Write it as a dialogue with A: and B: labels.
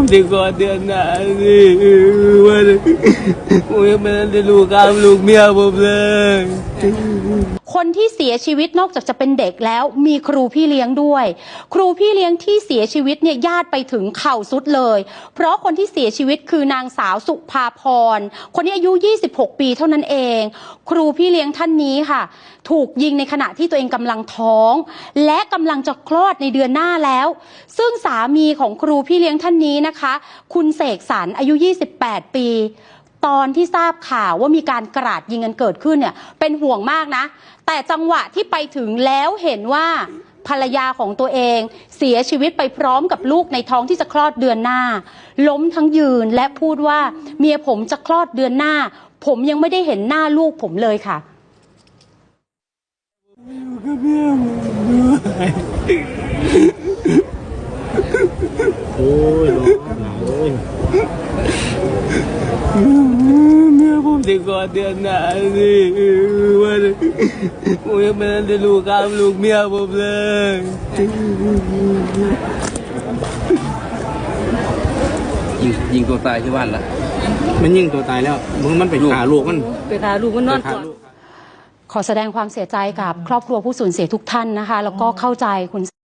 A: จะกอดเดือนหน้าสิวันผมยังไม่ได้ลูกกามลูกเมียผมเลย
B: คนที่เสียชีวิตนอกจากจะเป็นเด็กแล้วมีครูพี่เลี้ยงด้วยครูพี่เลี้ยงที่เสียชีวิตเนี่ยญาติไปถึงเข่าสุดเลยเพราะคนที่เสียชีวิตคือนางสาวสุภาพรคนนี้อายุ26 ปีเท่านั้นเองครูพี่เลี้ยงท่านนี้ค่ะถูกยิงในขณะที่ตัวเองกำลังท้องและกำลังจะคลอดในเดือนหน้าแล้วซึ่งสามีของครูพี่เลี้ยงท่านนี้นะคะคุณเสกสรรอายุ28 ปีตอนที่ทราบข่าวว่ามีการกราดยิงกันเกิดขึ้นเนี่ยเป็นห่วงมากนะแต่จังหวะที่ไปถึงแล้วเห็นว่าภรรยาของตัวเองเสียชีวิตไปพร้อมกับลูกในท้องที่จะคลอดเดือนหน้าล้มทั้งยืนและพูดว่าเมียผมจะคลอดเดือนหน้าผมยังไม่ได้เห็นหน้าลูกผมเลยค่ะ
A: โอ้ยโอ้ยเมียผมจะกอดเดือนหน้าสิวันผมยังไม่ได้ลูกกามลูกเมียผมเลย
C: ยิงตัวตายที่บ้านละ
A: มันยิงตัวตายแล้วมันไปฆ่าลูกมัน
B: นอนก่อนขอแสดงความเสียใจกับครอบครัวผู้สูญเสียทุกท่านนะคะแล้วก็เข้าใจคุณ